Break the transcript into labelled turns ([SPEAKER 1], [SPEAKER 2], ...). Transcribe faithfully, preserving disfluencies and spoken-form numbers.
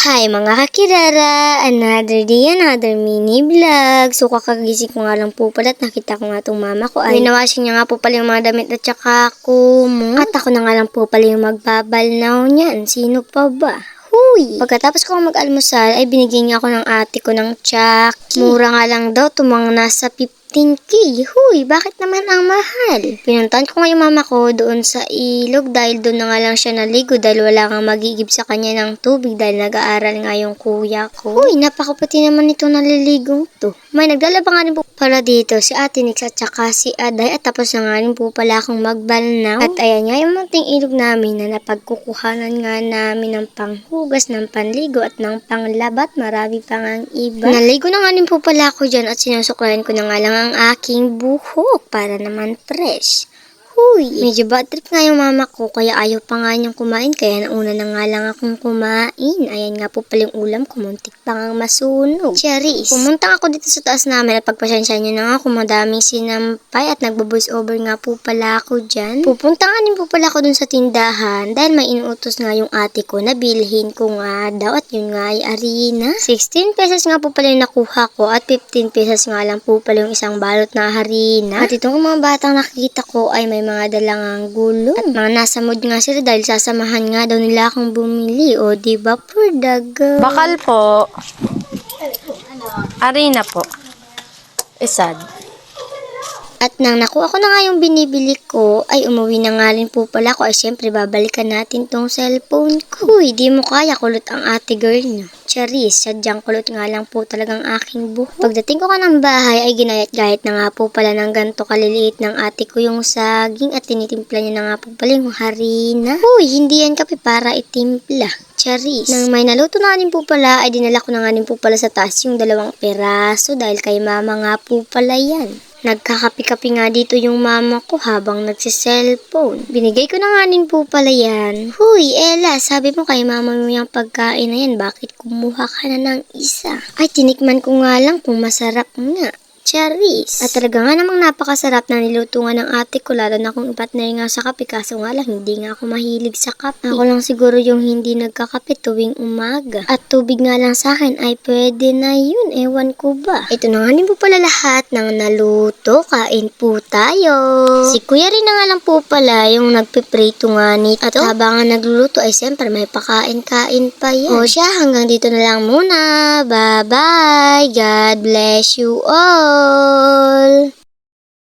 [SPEAKER 1] Hi mga kakirara! Another day, another mini vlog. So kakagising ko nga lang po pala at nakita ko nga itong mama ko ay winawashing niya nga po pala yung mga damit at saka kumot. At ako na nga lang po pala yung magbabalnaw niyan. Sino pa ba? Huy! Pagkatapos ko mag-almusal ay binigyan niya ako ng ate ko ng Chucky. Mura nga lang daw, tumang nasa fifteen K. Huy, bakit naman ang mahal? Pinuntahan ko nga yung mama ko doon sa ilog dahil doon na nga lang siya naligo dahil wala kang magigib sa kanya ng tubig dahil nag-aaral nga yung kuya ko. Huy, napakaputi naman itong naliligong to. May naglalaba nga rin po pala dito si Ate Nix at saka si Aday at tapos na nga rin po pala akong magbalnaw. At ayan nga yung munting ilog namin na napagkukuhanan nga namin ng panghugas, ng panligo at ng panglabat. Marami pa nga ang iba. Naligo na nga rin po pala ako dyan at sinusuklayan ko na nga lang ang aking buhok para naman fresh. Huy, medyo bad trip nga yung mama ko kaya ayaw pa nga niyang kumain kaya nauna na nga lang akong kumain. Ayan nga po pala yung ulam ko, muntik pa nga masunog. Cherries. Pumunta ako dito sa taas namin at pagpasensya niyo na nga kung madaming sinampay at nagbo-voice over nga po pala ako dyan. Pupunta nga din po pala ako dun sa tindahan dahil may inuutos nga yung ate ko na bilhin ko nga daw at yun nga ay harina. sixteen pesos nga po pala yung nakuha ko at fifteen pesos nga lang po pala yung isang balot na harina. At itong mga batang nakikita ko ay may mga dalangang gulo. At mga nasa mood nga sila dahil sasamahan nga daw nila akong bumili. O diba for the girl?
[SPEAKER 2] Bakal po. Arena po. Isad.
[SPEAKER 1] At nang nakuha ko na nga yung binibili ko, ay umuwi na nga rin po pala ko. Ay syempre babalikan natin tong cellphone ko. Uy, di mo kaya, kulot ang ate girl no. Charis, sadyang kulot nga lang po talagang aking buhok. Pagdating ko ka ng bahay ay ginayat-gayat na nga po pala ng ganto kaliliit ng ate ko yung saging at tinitimpla niya na nga po pala yung harina. Uy, hindi yan kape para itimpla. Charis. Nang may naluto na rin po pala ay dinala ko na nga rin po pala sa taas yung dalawang peraso dahil kay mama nga po pala yan. Nagkakapi-kapi nga dito yung mama ko habang nagsiselfone. Binigay ko na nga din po pala yan. Huy, Ella, sabi mo kay mama mo yung pagkain na yan, bakit kumuha ka na ng isa? Ay, tinikman ko nga lang kung masarap nga. Charis. At talaga nga namang napakasarap na niluto nga ng ate ko, lalo na kung ipartner nga sa kape, kaso nga lang hindi nga ako mahilig sa kape. Ako lang siguro yung hindi nagkakape tuwing umaga. At tubig nga lang sa akin ay pwede na yun, ewan ko ba. Ito na nga din po pala lahat ng naluto, kain po tayo. Si kuya rin na nga lang po pala yung nagpiprito nga nito. At habang nga nagluluto ay siyempre may pakain-kain pa yan. O siya, hanggang dito na lang muna. Bye-bye. God bless you all.